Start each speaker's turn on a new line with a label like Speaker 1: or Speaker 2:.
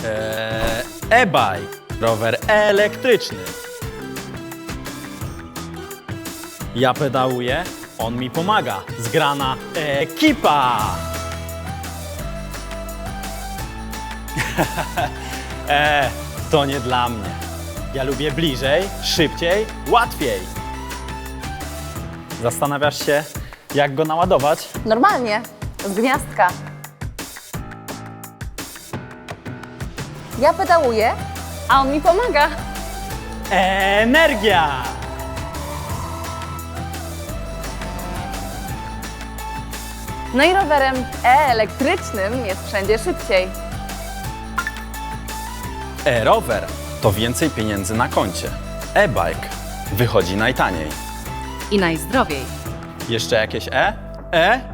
Speaker 1: E-bike, rower elektryczny. Ja pedałuję, on mi pomaga. Zgrana ekipa. To nie dla mnie. Ja lubię bliżej, szybciej, łatwiej. Zastanawiasz się, jak go naładować?
Speaker 2: Normalnie, z gniazdka. Ja pedałuję, a on mi pomaga.
Speaker 1: Energia!
Speaker 2: No i rowerem elektrycznym jest wszędzie szybciej.
Speaker 1: E-rower to więcej pieniędzy na koncie. E-bike wychodzi najtaniej.
Speaker 3: I najzdrowiej.
Speaker 1: Jeszcze jakieś E? E?